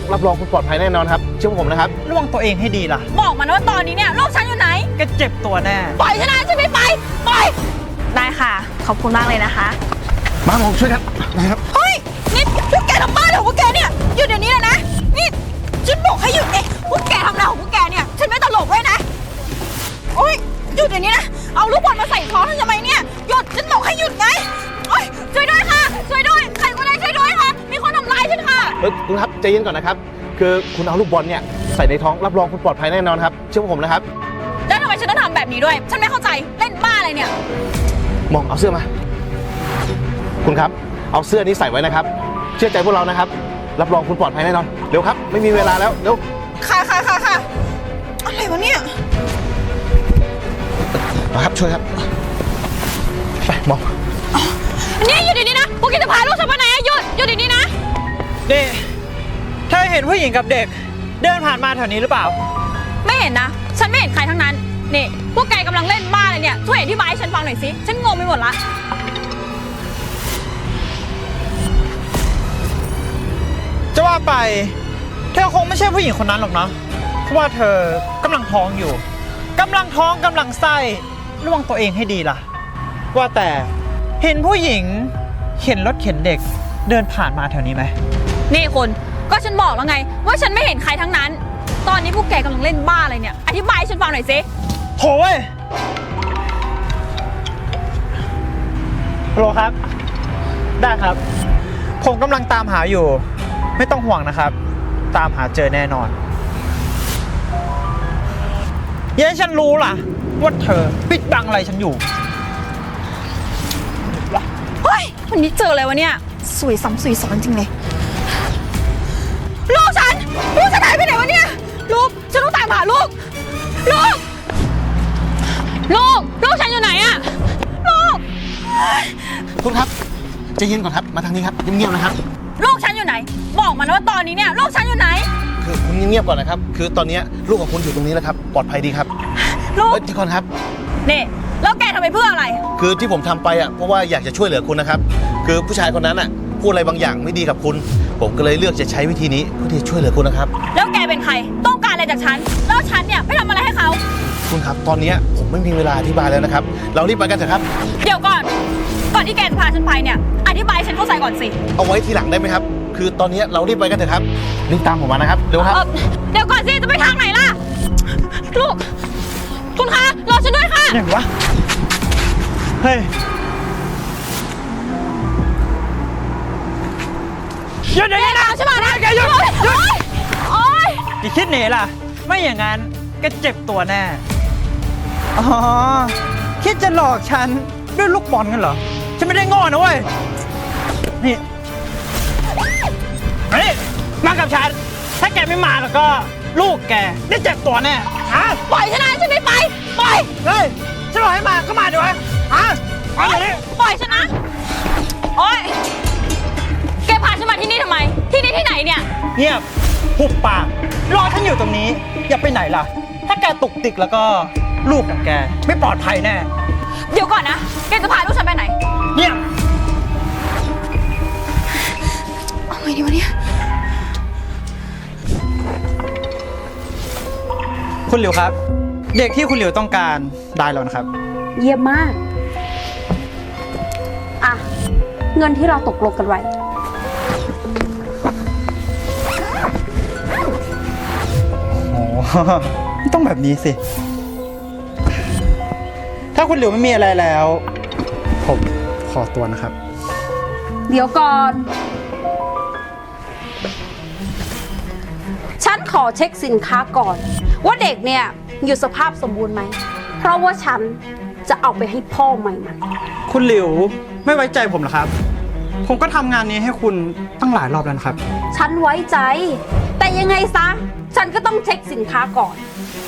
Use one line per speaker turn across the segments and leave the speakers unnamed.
รับรองคุณปลอดภัยแน่นอนครับเชื่อผมนะครับ
ระวังตัวเองให้ดีล่ะ
บอกมานะว่าตอนนี้เนี่ยลูกฉันอยู่ไหน
แกเจ็บตัวแน่
ปล่อยฉันนะฉันไม่ไปปล่อยได้ค่ะขอบคุณมากเลยนะคะ
มาผมช่วยครับนะครับ
เฮ้ยนี่พวกแกทำบ้าของพวกแกเนี่ยหยุดเดี๋ยวนี้เลยนะนี่ฉันบอกให้หยุดเองพวกแกทำอะไรของพวกแกเนี่ยฉันไม่ตลกด้วยนะโอ๊ยหยุดเดี๋ยวนี้นะเอาลูกบอลมาใส่ท้องฉันทำไมเนี่ยหยุดฉันบอกให้หยุดไงโอ๊ยช่วยด้วยค่ะช่วยด้วยใครก็ได้ช่วยด้วยค่ะมีคนทำร้ายฉันค่ะ
คุณครับใจเย็นก่อนนะครับคือคุณเอาลูกบอลเนี่ยใส่ในท้องรับรองคุณปลอดภัยแน่นอนครับเชื่อผมนะครับ
แล้วทำไมฉันต้องทำแบบนี้ด้วยฉันไม่เข้าใจเล่นบ้าอะไรเนี่ย
มองเอาเสื้อมาคุณครับเอาเสื้อนี้ใส่ไว้นะครับเชื่อใจพวกเรานะครับรับรองคุณปลอดภัยแน่นอนเร็วครับไม่มีเวลาแล้วเร็ว
ค่ะอะไรวะเนี่ย
มาครับช่วยครับไปมอง
นี่หยุดดีๆนะพวกแกจะพาลูกฉันไปไหนหยุดเดี๋ยวนี้นะ
เด็กเธอเห็นผู้หญิงกับเด็กเดินผ่านมาแถวนี้หรือเปล่า
ไม่เห็นนะฉันไม่เห็นใครทั้งนั้นนี่พวกแกกำลังเล่นบ้าเลยเนี่ยช่วยอธิบายให้ฉันฟังหน่อยสิฉันงงไปหมดละ
จะว่าไปเธอคงไม่ใช่ผู้หญิงคนนั้นหรอกนะเพราะว่าเธอกำลังท้องอยู่กำลังท้องกำลังไส้ระวังตัวเองให้ดีล่ะว่าแต่เห็นผู้หญิงเข็นรถเข็นเด็กเดินผ่านมาแถวนี้ไหม
นี่คุณก็ฉันบอกแล้วไงว่าฉันไม่เห็นใครทั้งนั้นตอนนี้พวกแกกำลังเล่นบ้าอะไรเนี่ยอธิบายให้ฉันฟังหน่อยสิ
โถเว้ยฮัลโหลครับได้ครับผมกำลังตามหาอยู่ไม่ต้องห่วงนะครับตามหาเจอแน่นอนอย่าให้ฉันรู้ล่ะว่าเธอปิดบังอะไรฉันอยู่
เฮ้ยวันนี้เจออะไรวะเนี่ยสวยซ้ำสวยซ้อนจริงเลยลูกฉันหายไปไหนวะเนี่ยลูกฉันต้องตามหาลูกฉันอยู่ไหนอะลูก
คุณครับใจเย็นก่อนครับมาทางนี้ครับเงียบๆนะครับ
ลูกฉันอยู่ไหนบอกมานะว่าตอนนี้เนี่ยลูกฉันอยู่ไหน
คือคุณเงียบๆก่อนนะครับคือตอนนี้ลูกของคุณอยู่ตรงนี้แล้วครับปลอดภัยดีครับ
ลูก
ที่ก่อนครับ
นี่แล้วแกทำไปเพื่ออะไร
คือที่ผมทำไปอ่ะเพราะว่าอยากจะช่วยเหลือคุณนะครับคือผู้ชายคนนั้นอ่ะพูดอะไรบางอย่างไม่ดีกับคุณผมก็เลยเลือกจะใช้วิธีนี้เพื่อที่จะช่วยเหลือคุณนะครับ
แล้วแกเป็นใครต้องการอะไรจากฉันแล้วฉันเนี่ยไปทำอะไรให้เขา
คุณครับตอนนี้ผมไม่มีเวลาอธิบายแล้วนะครับเรารีบไปกันเถอะครับ
เดี๋ยวก่อนที่แกจะพาฉันไปเนี่ยอธิบายฉันเข้าใจก่อนสิ
เอาไว้ทีหลังได้ไหมครับคือตอนนี้เรารีบไปกันเถอะครับรีบตามผมมานะครับเร็วครับ
เดี๋ยวก่อนสิจะไปทางไหนล่ะลูกคุณคะรอฉันด้วยค่ะ
ไหนวะเฮ้ยหยุดเดี๋ยวนี้นะ
ใช่ไหมนะ
แกหยุด
โอ๊ย
อย่าคิดหนีล่ะไม่อย่างนั้นก็เจ็บตัวแน่อ๋อคิดจะหลอกฉันด้วยลูกบอลกันเหรอฉันไม่ได้โง่นะเว้ยนี่มากับฉันถ้าแกไม่มาแล้วก็ลูกแกได้เจ็บตัวแน่
ปล่อยฉันนะฉันไม่ไปปล่อย
เฮ้ยฉันบอกให้มาก็มาดีวะมาเดี๋ยวนี้
ปล่อยฉันนะโอ๊ยแกพาฉันมาที่นี่ทำไมที่นี่ที่ไหนเนี่ย
เงียบหุบปากรอฉันอยู่ตรงนี้อย่าไปไหนล่ะถ้าแกตุกติกแล้วก็ลูกของแกไม่ปลอดภัยแน่
เดี๋ยวก่อนนะแกจะพาลูกฉันไปไหน
เนี่ย
เอาไงดีวะเนี่ย
คุณหลิวครับเด็กที่คุณหลิวต้องการได้แล้วนะครับ
เยี่ยมมากอ่ะเงินที่เราตกลงกันไว้
โอ้ต้องแบบนี้สิถ้าคุณหลิวไม่มีอะไรแล้วผมขอตัวนะครับ
เดี๋ยวก่อนฉันขอเช็คสินค้าก่อนว่าเด็กเนี่ยอยู่สภาพสมบูรณ์ไหมเพราะว่าฉันจะเอาไปให้พ่อใหม่มัน
คุณหลิวไม่ไว้ใจผมเหรอครับผมก็ทำงานนี้ให้คุณตั้งหลายรอบแล้วนะครับ
ฉันไว้ใจแต่ยังไงซะฉันก็ต้องเช็คสินค้าก่อน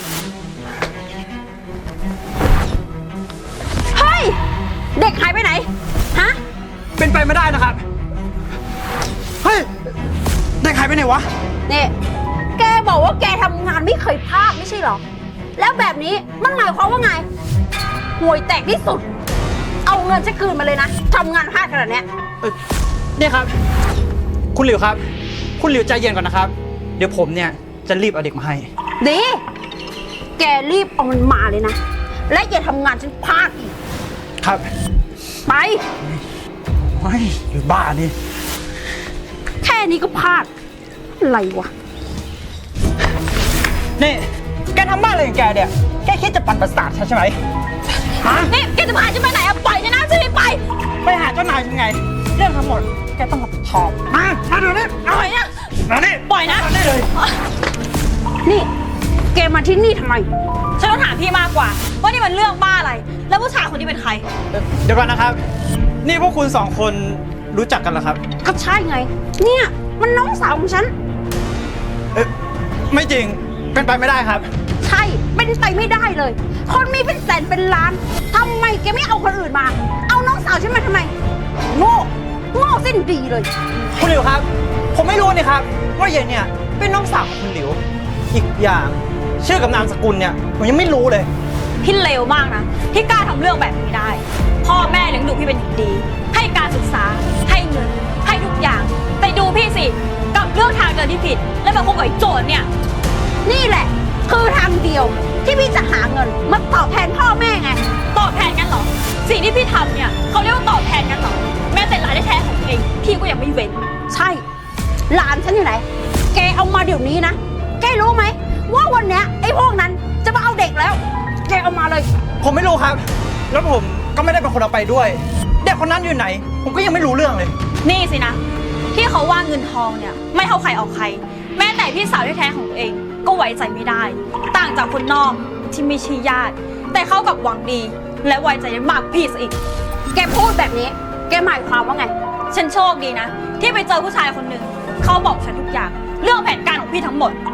เฮ้ยเด็กหายไปไหนฮะ
เป็นไปไม่ได้นะครับเฮ้ยเด็กหายไปไหนวะ
นี่แกบอกว่าแกทำงานไม่เคยพลาดไม่ใช่หรอแล้วแบบนี้มันหมายความว่าไงห่วยแตกที่สุดเอาเงินฉันคืนมาเลยนะทำงานพลาดขนาดนี้
นี่ครับคุณหลิวครับคุณหลิวใจเย็นก่อนนะครับเดี๋ยวผมเนี่ยจะรีบเอาเด็กมาให้
ดี แกรีบเอามันมาเลยนะ และอย่าทำงานฉันพลาดอีก
ครับ
ไป
ไม่อยู่บ้านี่
แค่นี้ก็พลาด อะไรวะ
นี่แกทำบ้าอะไรของแกเนี่ย แกคิดจะปั่นประสาทฉันใช่ไหมฮะ
นี่แกจะพาฉันไปไหนอะปล่อยฉันนะฉันไม่ไป
ไปหาเจ้านายยังไง เรื่องทั้งหมดแกต้องรับผิดชอบมาเดี๋ยวนี้
ปล่อยนะ
มานี่
ปล่อยนะ
มานี่เลย
นี่ แกมาที่นี่ทำไม
ฉันต้องถามพี่มากกว่า ว่านี่มันเรื่องบ้าอะไร แล้วผู้ชายคนนี้เป็นใคร
เดี๋ยวก่อนนะครับ นี่พวกคุณสองคนรู้จักกันเหรอครับ
ก็ใช่ไง เนี่ย มันน้องสาวของฉัน
ไม่จริง เป็นไปไม่ได้ครับ
ใช่ เป็นไปไม่ได้เลย คนมีเป็นแสนเป็นล้าน ทำไมแกไม่เอาคนอื่นมา เอาน้องสาวฉันมาทำไม โง่ โง่สิ้นดีเลย
คุณหลิวครับ ผมไม่รู้นี่ครับ ว่าเย็นเนี่ยเป็นน้องสาวของคุณหลิว อีกอย่างชื่อกับนามสกุลเนี่ยผมยังไม่รู้เลย
พี่เลวมากนะ ที่กล้าทำเรื่องแบบนี้ได้ พ่อแม่เลี้ยงดูพี่เป็นอย่างดี ให้การศึกษา ให้เงิน ให้ทุกอย่าง แต่ดูพี่สิกลับเลือกทางเดินที่ผิด แล้วมาคบกับไอ้โจรเนี่ย
นี่แหละ คือทางเดียวที่พี่จะหาเงินมาตอบแทนพ่อแม่ไง
ตอบแทนกันเหรอ สิ่งที่พี่ทำเนี่ยเขาเรียกว่าตอบแทนกันเหรอ แม้แต่หลานแท้ๆของตัวเองพี่ก็ยังไม่เว้น
ใช่ หลานฉันอยู่ไหน แกเอามาเดี๋ยวนี้นะ แกรู้ไหม ว่าวันเนี้ยไอ้พวกนั้นจะมาเอาเด็กแล้ว แกเอามาเลย
ผมไม่รู้ครับ แล้วผมก็ไม่ได้เป็นคนเอาไปด้วย เด็กคนนั้นอยู่ไหน ผมก็ยังไม่รู้เรื่องเลย
นี่สินะ ที่เขาว่าเงินทองเนี่ยไม่เข้าใครออกใคร แม้แต่พี่สาวแท้ๆของตัวเองก็ไว้ใจไม่ได้ ต่างจากคนนอกที่ไม่ใช่ญาติ แต่เขากับหวังดี และไว้ใจได้มากพี่ซะอีก
แกพูดแบบนี้ แกหมายความว่าไง
ฉันโชคดีนะ ที่ไปเจอผู้ชายคนหนึ่งเขาบอกฉันทุกอย่าง เรื่องแผนการของพี่ทั้งหมด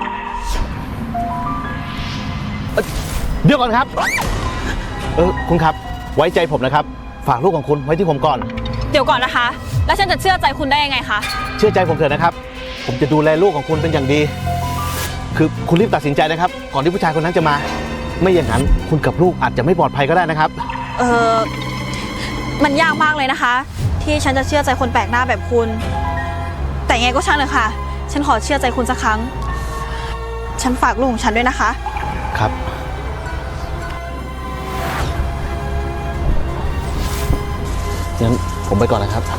เดี๋ยวก่อนครับ คุณครับ ไว้ใจผมนะครับ ฝากลูกของคุณไว้ที่ผมก่อน
เดี๋ยวก่อนนะคะ แล้วฉันจะเชื่อใจคุณได้ยังไงคะ
เชื่อใจผมเถอะนะครับ ผมจะดูแลลูกของคุณเป็นอย่างดี คือคุณรีบตัดสินใจนะครับ ก่อนที่ผู้ชายคนนั้นจะมา ไม่อย่างนั้นคุณกับลูกอาจจะไม่ปลอดภัยก็ได้นะครับ
มันยากมากเลยนะคะ ที่ฉันจะเชื่อใจคนแปลกหน้าแบบคุณ แต่ยังไงก็ช่างเลยค่ะ ฉันขอเชื่อใจคุณสักครั้ง ฉันฝากลูกของฉันด้วยนะคะ
ครับ งั้นผมไปก่อนนะครับ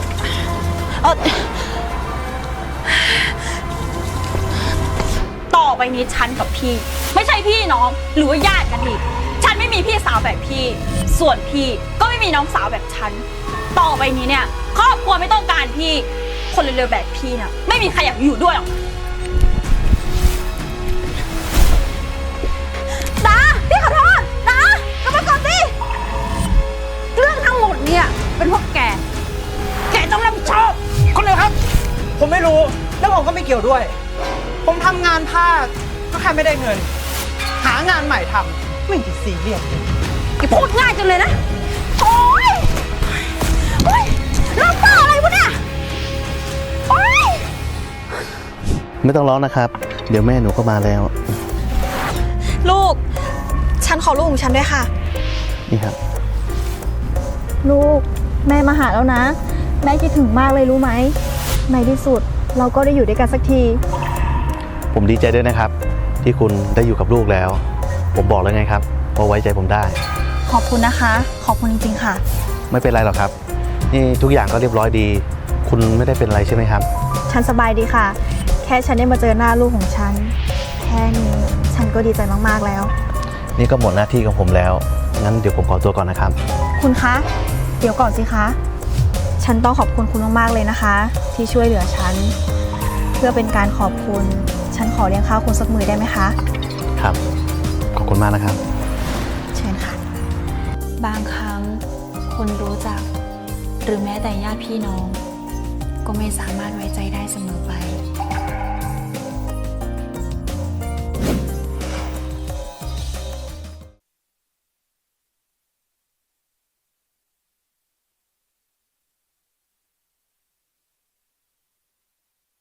ต่อไปนี้ฉันกับพี่ ไม่ใช่พี่น้องหรือว่าญาติกันอีก ฉันไม่มีพี่สาวแบบพี่ ส่วนพี่ก็ไม่มีน้องสาวแบบฉัน ต่อไปนี้เนี่ยครอบครัวไม่ต้องการพี่ คนเร็วๆแบบพี่น่ะไม่มีใครอยากอยู่ด้วยหรอก
ดาพี่ขอโทษดากลับมาก่อนสิ เรื่องทั้งหมดเนี่ยเป็นพวกแก แกต้องรับผิดชอบ
คนเดียวครับ ผมไม่รู้ แล้วผมก็ไม่เกี่ยวด้วย ผมทำงานพลาดก็แค่ไม่ได้เงิน หางานใหม่ทำไม่ติดซีเรียส
แกพูดง่ายจังเลยนะ โอ๊ยโอ๊ยเรื่องบ้าอะไรวะเนี่ย โอ๊ย
ไม่ต้องร้องนะครับ เดี๋ยวแม่หนูก็มาแล้ว
ลูก ฉันขอลูกของฉันด้วยค่ะ
นี่ครับ
ลูกแม่มาหาแล้วนะ แม่คิดถึงมากเลยรู้ไหมในที่สุดเราก็ได้อยู่ด้วยกันสักที
ผมดีใจด้วยนะครับ ที่คุณได้อยู่กับลูกแล้ว ผมบอกแล้วไงครับว่าไว้ใจผมได้
ขอบคุณนะคะ ขอบคุณจริงๆค่ะ
ไม่เป็นไรหรอกครับ นี่ทุกอย่างก็เรียบร้อยดี คุณไม่ได้เป็นอะไรใช่ไหมครับ
ฉันสบายดีค่ะ แค่ฉันได้มาเจอหน้าลูกของฉัน แค่นี้ฉันก็ดีใจมากๆแล้ว
นี่ก็หมดหน้าที่ของผมแล้ว งั้นเดี๋ยวผมขอตัวก่อนนะครับ
คุณคะ เดี๋ยวก่อนสิคะ ฉันต้องขอบคุณคุณมากๆเลยนะคะ ที่ช่วยเหลือฉัน เพื่อเป็นการขอบคุณ ฉันขอเลี้ยงข้าวคุณสักมื้อได้ไหมคะ
ครับ ขอบคุณมากนะครับ
เชิญค่ะ
บางครั้งคนรู้จัก หรือแม้แต่ญาติพี่น้อง ก็ไม่สามารถไว้ใจได้เสมอไป